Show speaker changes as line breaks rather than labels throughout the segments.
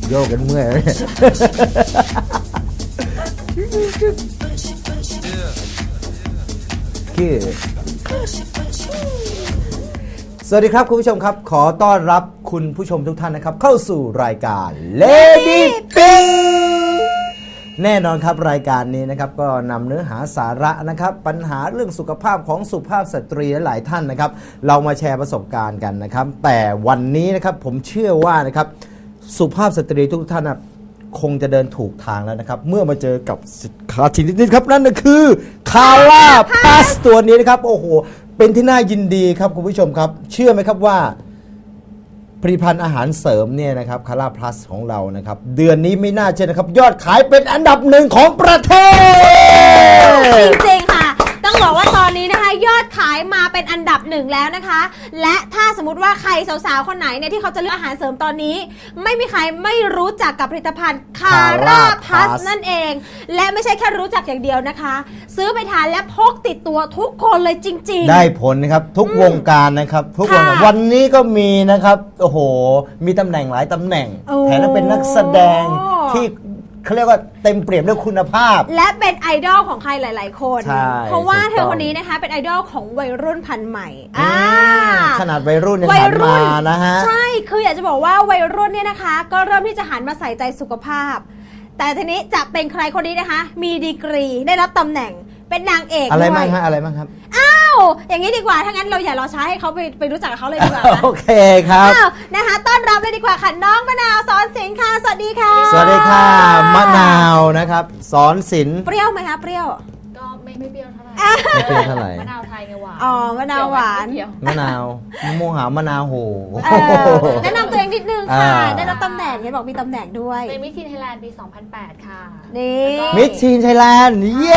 โยกกันเมื่อยสวัสดีครับคุณผู้ชมครับขอต้อนรับคุณผู้ชมทุกท่านนะครับเข้าสู่รายการ Lady Pink แน่นอนครับรายการนี้นะครับก็นำเนื้อหาสาระนะครับปัญหาเรื่องสุขภาพของสุภาพสตรีหลายท่านนะครับเรามาแชร์ประสบการณ์กันนะครับแต่วันนี้นะครับผมเชื่อว่านะครับสุภาพสตรีทุกท่านนะคงจะเดินถูกทางแล้วนะครับเมื่อมาเจอกับสินค้าชนิดนี้ครับนั่นก็คือคาร่าพลัสตัวนี้นะครับโอ้โหเป็นที่น่ายินดีครับคุณผู้ชมครับเชื่อไหมครับว่าผลิตภัณฑ์อาหารเสริมเนี่ยนะครับคาร่าพลัสของเรานะครับเดือนนี้ไม่น่าเชื่อนะครับยอดขายเป็นอันดับหนึ่งของประเทศ
จริงๆค่ะต้องบอกว่าตอนนี้นะคะยอดขายมาเป็นอันดับหนึ่งแล้วนะคะและถ้าสมมติว่าใครสาวๆคนไหนเนี่ยที่เขาจะเลือกอาหารเสริมตอนนี้ไม่มีใครไม่รู้จักกับผลิตภัณฑ์คาร่าพลัสนั่นเองและไม่ใช่แค่รู้จักอย่างเดียวนะคะซื้อไปทานและพกติดตัวทุกคนเลยจริงๆ
ได้ผลนะครับทุกวงการนะครับทุกวงการวันนี้ก็มีนะครับโอ้โหมีตำแหน่งหลายตำแหน่งแถมเป็นนักแสดงที่เขาเรียกว่าเต็มเปี่ยมด้วยคุณภาพ
และเป็นไอดอลของใครหลายๆคนเพราะว่าเธอคนนี้นะคะเป็นไอดอลของวัยรุ่นพันธุ์ใหม่
ขนาดวัยรุ่นยังหันมานะฮะ
ใช่คืออยากจะบอกว่าวัยรุ่นเนี่ยนะคะก็เริ่มที่จะหันมาใส่ใจสุขภาพแต่ทีนี้จะเป็นใครคนนี้นะคะมีดีกรีได้รับตำแหน่งเป็นนางเอก
อะไรบ้างฮะอะไรบ้างครับ
อ้าวอย่างนี้ดีกว่าถ้างั้นเราอย่ารอช้าให้เขาไปรู้จักกับเขาเลยดีกว่า
โอเคครับ
นะคะต้อนรับเลยดีกว่าค่ะน้องมะนาวสอนศิลป์ค่ะสวัสดีค่ะ
สวัสดีค่ะมะนาวนะครับสอนศิลป์
เปรี้ยวไหมคะเปรี้ยว
ก็ไม่เปรี้ยวเท่าไหร่
ไม่เปรี้ยวเท่าไหร่
มะนาวไทยไงหวาน
อ๋อมะนาวหวาน
มะนาวมะม่วงหาวมะนาวโห
แนะนำตัวเองนิดนึงค่ะได้รับตำแหน่งเห็นบอกมีตำแหน่งด้วย
เป็นมิสทีนไทยแลนด์ปี 2008 ค่ะ
นี่
มิสทีนไทยแลนด์เย้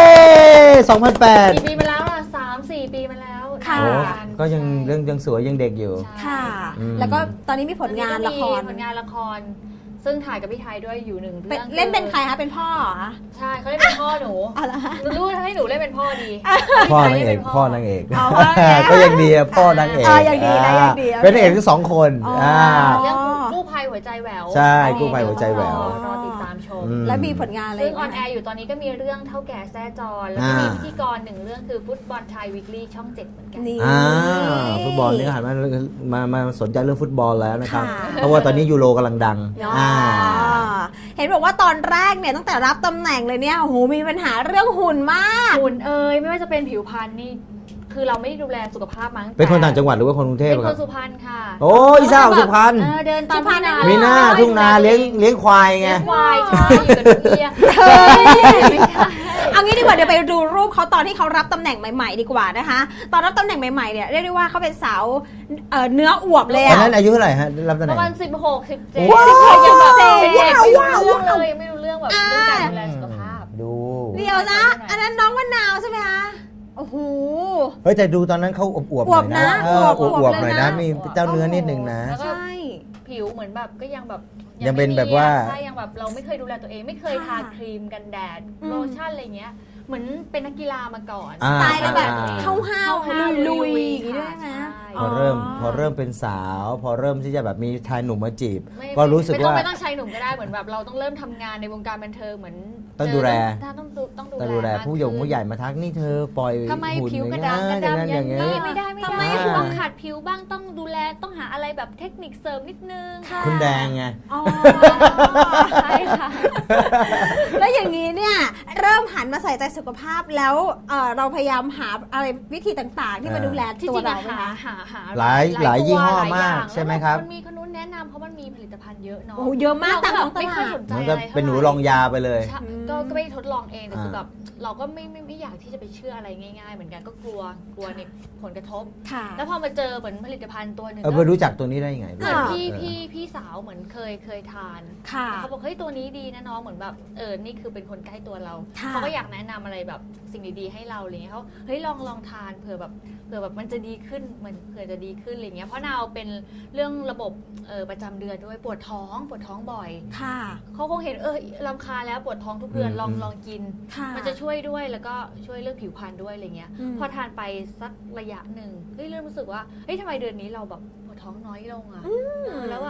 2008
กี่ปีมาแล้วล่ะ3-4 ปีมาแล้ว
ค่ะ
ก็ยังสวยยังเด็กอยู่
ค่ะแล้วก็ตอนนี้มีผลงานละคร
ซึ่งถ่ายกับพี่ไทยด้วยอยู่หนึ่งเรื่อง
เล่นเป็นใครคะเป็นพ่อเหรอ
ใช่เขาเล่นเป็นพ่อหนูรู้ให้หนูเล่นเป็นพ่อดี
พ่อนางเอกก็ยังดีพ่อนางเอก
ยังดีนะยังดี
เป็นนางเอกทั้งสองคน
เรื่องกู้ภัยหัวใจแหวว
ใช่กู้ภัยหัวใจแหวว
รอติดตามชม
และมีผลงานอะไร
ซึ่งออนแอร์อยู่ตอนนี้ก็มีเรื่องเท่าแก่แซ่จรแล้วก็มีพิธีกรหนึ่งเรื่องคือฟุตบอลไทยวีคลี่ช่อง 7เหมือนกัน
ฟุตบอลนี่ก็หันมาสนใจเรื่องฟุตบอลแล้วนะครับเพราะว่าตอนนี้ยูโรกำลังดัง
เห็นบอกว่าตอนแรกเนี่ยตั้งแต่รับตำแหน่งเลยเนี่ยโอ้โหมีปัญหาเรื่องหุ่นมาก
หุ่นไม่ว่าจะเป็นผิวพรรณนี่คือเราไม่ได้ดูแลสุขภาพมั้ง
เป็นคนต่างจังหวัดหรือว่าคนกรุงเทพ
เป็นคนสุพรรณค่ะ
โอ้ยสาวสุพรรณ
เดินตามทุ่งนา
มีหน้าทุ่งนาเลี้ยงควายไง
ควายใช่อยู่กับนกเอี้ย
เอางี้ดีกว่าเดี๋ยวไปดูรูปเขาตอนที่เขารับตำแหน่งใหม่ๆดีกว่านะคะตอนรับตำแหน่งใหม่ๆเนี่ยเรียกได้ว่าเขาเป็นสาวเนื้ออวบเลย
ตอนนั้นอายุเท่าไหร่ฮะรับตำแหน่ง
ประมาณ16-17ยังแบบเป็นเด็กไม่รู้เรื่องเลยไม่รู้เรื่องแบบเรื่องการดูแลสุขภาพ
ดู
เดี๋ยวนะอันนั้นน้องมะนาวใช่ไหมคะโอ้โห
เฮ้ยแต่ดูตอนนั้นเขาอวบๆหน่อยนะอวบๆหน่อยนะมีเจ้าเนื้อนิดนึงนะ
ใช่ผิวเหมือนแบบก็ยังแบบ
ยังเป็นแบบว่า
ใช่ยังแบบเราไม่เคยดูแลตัวเองไม่เคยทาครีมกันแดดโลชั่นอะไรเงี้ยเหมือนเป็นนักกีฬามาก่อน
สไตล์แบบห้าวๆลุยๆอย่างนี้ด้วยนะ
พอเริ่มเป็นสาวพอเริ่มที่จะแบบมีชายหนุ่มมาจีบก็รู้สึกว่า
ไม่ต้องชายหนุ่มก็ได้เหมือนแบบเราต้องเริ่มทำงานในวงการบันเทิงเหมือน
ต้องดูแล
ต้องดูแล
ผู้ใหญ่มาทักนี่เธอปล่อย
ทำไมผิวกระด้างอย่างนี้ไม่ได้ทำไมต้องขัดผิวบ้างต้องดูแลต้องหาอะไรแบบเทคนิคเสริมนิดนึง
คุณแดงไง
ใช่ค่ะแล้วอย่างนี้เนี่ยเริ่มหันมาใส่ใจสุขภาพแล้วเราพยายามหาอะไรวิธีต่างๆที่มาดูแลตัวเรา
หา
หลายยี่ห้อมากใช่ไหมครับ
มันมีคนนู้นแนะนำเพราะมันมีผลิตภัณฑ์เยอะเนาะ
โอ้เยอะมากแต่
ไม่ค่อยสนใจ
มันก็เป็นหนูลองยาไปเลย
ก็ไม่ทดลองเองแต่คือแบบเราก็ไม่อยากที่จะไปเชื่ออะไรง่ายๆเหมือนกันก็กลัวในผลกระทบแล้วพอมาเจอเหมือนผลิตภัณฑ์ตัวหนึ่ง
ไปรู้จักตัวนี้ได้ยังไง
เหมือนพี่สาวเหมือนเคยทานเขาบอกเฮ้ยตัวนี้ดีนะน้องเหมือนแบบนี่คือเป็นคนใกล้ตัวเราเขาก็อยากแนะนำอะไรแบบสิ่งดีๆให้เราอะไรเงี้ยเขาเฮ้ยลองทานเผื่อแบบมันจะดีขึ้นมันเผื่อจะดีขึ้นอะไรเงี้ยเพราะนาวเป็นเรื่องระบบประจำเดือนด้วยปวดท้องบ่อยเขาคงเห็นรำคาญแล้วปวดท้องทุกเดือนลองกินมันจะช่วยด้วยแล้วก็ช่วยเรื่องผิวพรรณด้วยอะไรเงี้ยพอทานไปสักระยะหนึ่งเริ่มรู้สึกว่าเฮ้ยทำไมเดือนนี้เราแบบปวดท้องน้อยลงอ่ะแล้วแบบ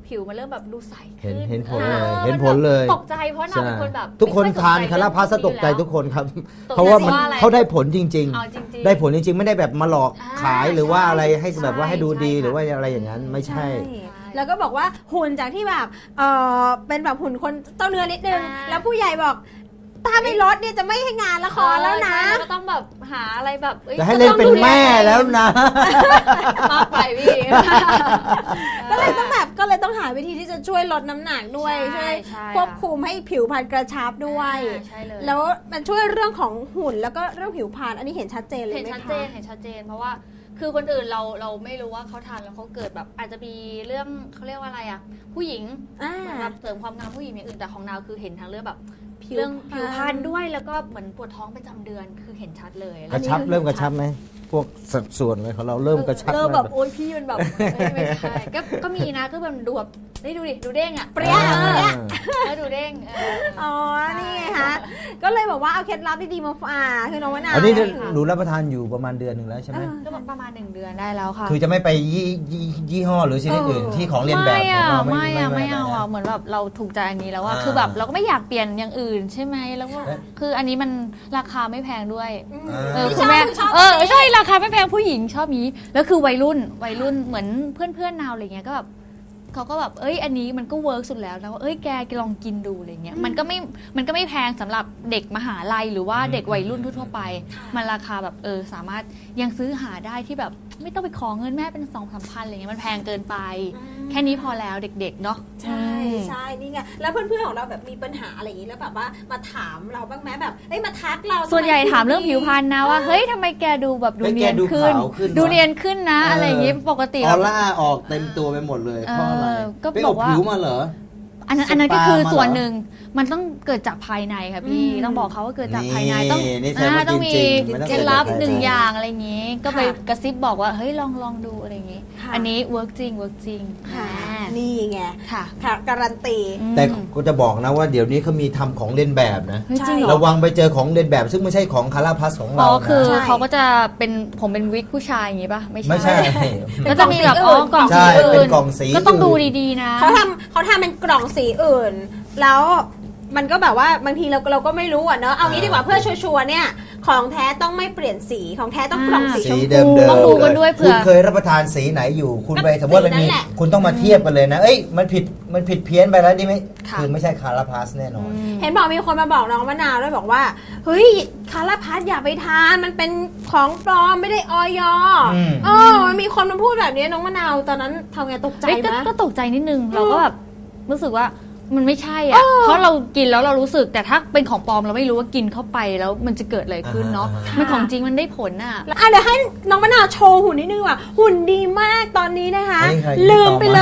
ผิวมันเริ่มแบบดูใส
เห็น
ขึ้น
เห็นผล
อ
เลย
อ
เห็นผลเลย
ตกใจเพราะนางเป็นคนแบบ
ทุกคน
ไม่อยส
ทาน
ใจ
คาราพัส
เรื่อง
ตกใจ
พว
ทุกคนครับ
ตกใจ
เพราะว่ามัน
ว่าอะไร
เขาได้ผลจริง
เอาจริง
ๆ ได้ผลจริงๆ ไม่ได้แบบมาหลอก
อ่า
ขายหรือว่าอะไรให้
ใช่
แบบว่าให้ดูดี
ใช่
หรือว่าอะไรอย่างนั้นไม่ใช่
แล้วก็บอกว่าหุ่นจากที่แบบเป็นแบบหุ่นคนเต้าเนื้อนิดนึง
อ่า
แล้วผู้ใหญ่บอกถ้าไม่ลดเนี่ยจะไม่ให้งานละครแล้วนะ
ใช่แล้วก็ต้องแบบหาอะไรแบบอ้ย
จะให้เล่นเป็นแม่แล้วนะ
มากไปพี่
ก็เลยต้องหาวิธีที่จะช่วยลดน้ำหนักด้วย
ใช่
ช่วย
ใช่
ควบคุมให้ผิวพรรณกระชับด้วย
ใช่เลย
แล้วมันช่วยเรื่องของหุ่นแล้วก็เรื่องผิวพรรณอันนี้เห็นชัดเจนเลย
เห็น
ไหม
ชัด
คะ
เจนเห็นชัดเจนเพราะว่าคือคนอื่นเราไม่รู้ว่าเขาทานแล้วเขาเกิดแบบอาจจะมีเรื่องเขาเรียกว่าอะไรอ่ะผู้หญิง
อ่า
เหมือนแบบเสริมความงามผู้หญิงอย่างอื่นแต่ของนาวคือเห็นทางเรื่องแบบ
ผิว
เรื่อง
พรรณ
ผิวพรรณด้วยแล้วก็เหมือนปวดท้องประจำเดือนคือเห็นชัดเลย
กระชับเริ่มกระชับไหมพวกสัดส่วนอะไรของเราเริ่มกระชับ
เริ่มแบบ
ไหม
โอ๊ยพี่มันแบบไม่ใช่ก็มีนะก็แบบดูแบบนี่ดูดิดูเด้งอ่ะ
เปรี้ย
แล้วดูเด้ง
อ๋อ นี่ไงคะก็เลยบอกว่าเอาเคล็ดลับดีๆมาฝากคือน้องมะนาว
อันนี้
เนี่ย
หนูรับประทานอยู่ประมาณเดือนหนึ่งแล้วใช่ไหม
ก็ประมาณ1 เดือนได้แล้วค่ะ
คือจะไม่ไปยี่ห้อหรือชนิดอื่นที่ของเรียนแบบของเรา
ไม่เอา
นะ
อ่ะเหมือนแบบเราถูกใจอันนี้แล้วว่า
อ่า
คือแบบเราก็ไม่อยากเปลี่ยนอย่างอื่นใช่ไหมแล้วก็คืออันนี้มันราคาไม่แพงด้วย
พี่
คุณแม่
ชอบ
ใช่ราคาไม่แพงผู้หญิงชอบนี้แล้วคือวัยรุ่นเหมือนเพื่อนนาวอะไรเงี้ยก็แบบเขาก็แบบอันนี้มันก็เวิร์กสุดแล้วนะว่าแกลองกินดูอะไรเงี้ยมันก็ไม่แพงสำหรับเด็กมหาลัยหรือว่าเด็กวัยรุ่นทั่วๆไปมันราคาแบบสามารถยังซื้อหาได้ที่แบบไม่ต้องไปขอเงินแม่เป็น2-3 พันอะไรเงี้ยมันแพงเกินไป แค่นี้พอแล้วเด็กๆเนาะ
ใช่ใช่นี่ไงแล้วเพื่อนๆของเราแบบมีปัญหาอะไรอย่างนี้แล้วแบบว่ามาถามเราบ้างไหมแบบมาทักเรา
ส่วนใหญ่ถามเรื่องผิวพรรณนะว่าเฮ้ยทำไมแกดูแบบดูเนียนขึ้น ดูเนียนขึ้นนะอะไรอย่างงี้ปกติ
ออร่าออกเต็มตัวไปหมดเลยเพราะอะไร
ก็
ไป
บ
อ
อบ กว่า
ผิวมาเหรอ
อันนั้น
สปา
ก็คือ
มาเหรอ
ส่วนหนึ่งมันต้องเกิดจากภายในค่ะพี่ต้องบอกเขาว่าเกิดจากภายในต้อง
นี่แสดงว่า
ต้องมี
จริงๆมันต้อง
เคล็ดลับ
เกิดจากภายใน
หนึ่งอย่างอะไรอย่างงี้ ก็ไปกระซิบบอกว่าเฮ้ยลองดูอะไรอย่างงี้ อันนี้เวิร์กจริง
ค่ะ
อ่า
นี่ไง
ค่ะ
ค่ะการันตี
แต่ก็จะบอกนะว่าเดี๋ยวนี้เขามีทำของเลียนแบบนะ
เฮ้ยจริงเหรอ
ระวังไปเจอของเลียนแบบซึ่งไม่ใช่ของคาราพัสของ
อ๋
เรา
อคือ
นะ
เขาก็จะเป็นผมเป็นวิกผู้ชายอย่างงี้ป่ะไม่
ไม่ใช่
ก็จะมีแบบกล่อง
ใช่
สีอื่
เป็นกล่องสี
ก็ต้องดู
อื่น
ดีๆนะ
เขาทำเป็นกล่องสีอื่น แล้วมันก็แบบว่าบางทีเราก็ไม่รู้อ่ะเนอะเอางี้ดีกว่าเพื่อชัวร์ๆเนี่ยของแท้ต้องไม่เปลี่ยนสีของแท้ต้องกล่องสีช
สี
ม
เดิ
พู
มๆ
ต้องดูกันด้วยเผื่
คุ
อ
ณเคยรับประทานสีไหนอยู่ คุณไป
ก็
สมมติว่ามันมี
สีนั้นแหละ
คุณต้องมาเทียบกันเลยนะ เอ้ยมันผิดเพี้ยนไปแล้วนี่ไม่
ค่ะ
คือไม่ใช่คาราพัสแน่นอน
เห็นบอกมีคนมาบอกน้องมะนาวด้วยบอกว่าเฮ้ยคาราพัสอย่าไปทานมันเป็นของปลอมไม่ได้ออย
อืม
มันมีคนมาพูดแบบนี้น้องมะนาวตอนนั้นทำไงตกใจ
เอ้ย
ไหม
ก็ตกใจนิดนึงเราก็แบบรู้สึกว่ามันไม่ใช่อ่ะเพราะเรากินแล้วเรารู้สึกแต่ถ้าเป็นของปลอมเราไม่รู้ว่ากินเข้าไปแล้วมันจะเกิดอะไรขึ้นเนาะ
อ่า
มันของจริงมันได้ผลอ่ะ
เดี๋ยวให้น้องมะนาวโชว์หุ่นนิดนึงว่ะหุ่นดีมากตอนนี้นะคะ
อันนี้ใคร
ลืมไปเลย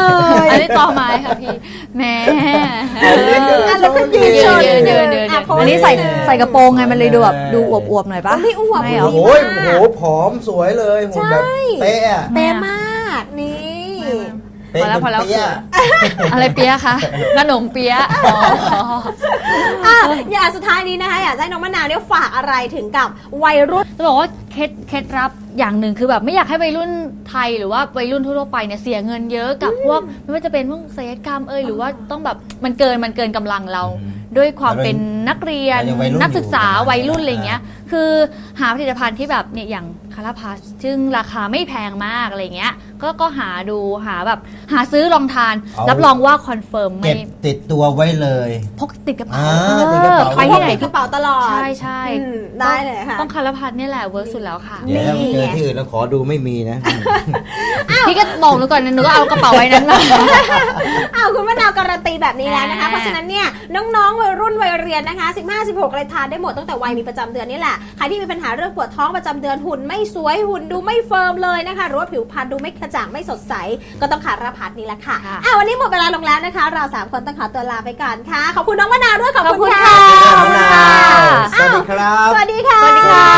อันนี้ต่อไม้ค่ะพี่แหม่
แล้วก็ยืน
เดิน
อันนี้ใส่กระโปรงไงมันเลยดูแบบดูอวบๆหน่อยปะ
ไม่อ้วก
ไม่เหรอ
โอ้ยโหผอมสวยเลยหุ่นแบบเป๊ะอะ
เป๊ะมากนี่
เป๊ะ
พอแล้ว
จนเปี้ย
อะไรเปี๊ยะคะขนมเปี๊ยะอ๋อ
อย่างสุดท้ายนี้นะคะอยากให้น้องมะนาวเนี่ยฝากอะไรถึงกับวัยรุ่น
จะบอกว่าเคล็ดลับอย่างหนึ่งคือแบบไม่อยากให้วัยรุ่นไทยหรือว่าวัยรุ่นทั่วไปเนี่ยเสียเงินเยอะกับพวกไม่ว่าจะเป็นพวกศัลยกรรมหรือว่าต้องแบบมันเกินกำลังเรา ด้วยความเป็นนักเรียน
ยังวัยรุ่น
นักศึกษา
อยู่
วัยรุ่นอะไรเงี้ยคือหาผลิตภัณฑ์ที่แบบเนี่ยอย่างคาราพัสซึ่งราคาไม่แพงมากอะไรเงี้ยก็หาดูหาซื้อลองทาน รับรองว่าคอนเฟิร์ม
เก็
ไม่
บติดตัวไว้เลย
พกติดกระเป๋า
ติดกระเป๋า
ไปที่ไหน
กระเป๋าตลอด
ใช่
ได้เลยค่ะ
ต้องคาราพัสเนี่ยแหละเวิร์กสุดแล้วค่ะ
เดี๋ยวถ้าเจอที่อื่นแล้วขอดูไม่มีนะ
พี่ก็บอกหนูก่อนนะหนูก็เอากระเป๋าไว้นั้นมา
คุณมะนาวการันตีแบบนี้แล้วนะคะ
อ่า
เพราะฉะนั้นเนี่ยน้องๆวัยรุ่นวัยเรียนนะคะ15-16เลยทานได้หมดตั้งแต่วัยมีประจำเดือนนี่แหละใครที่มีปัญหาเรื่องปวดท้องประจำเดือนหุ่นไม่สวยหุ่นดูไม่เฟิร์มเลยนะคะหรือว่าผิวพรรณดูไม่กระจ่างไม่สดใสก็ต้องคาราพัสนี่แหละค่ะวันนี้หมดเวลาลงแล้วนะคะ เรา3คนต้องขอตัวลาไปก่อนค่ะขอบคุณน้องมะนาวด้วยขอบคุณค่ะ
ขอบคุณค่ะสวัสดีครับ
สวัสดีค่ะ
สวัสดีค่ะ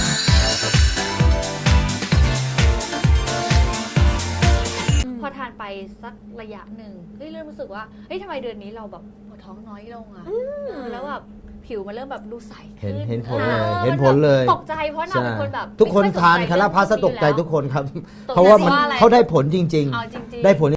พอทานไปสักระยะหนึ่งเฮ้ยเริ่มรู้สึกว่าเฮ้ยทำไมเดือนนี้เราแบบปวดท้องน้อยลงอะแล้วแบบผิวมันเริ่มแบบดูใสขึ้น
เห็นผลเลย
ออ
เห็นผลเลย
ตกใจเพราะนางเป็นคนแบบ
ทุกคน
ไม่อย
ทาน
สใจ
คาราพัสตกใจทุกคนครับ
ตกใจ
เพราะว่ามัน
ว่าอะไร
เขาได้ผลจริง
เอาจริงๆ
ๆ ได้ผล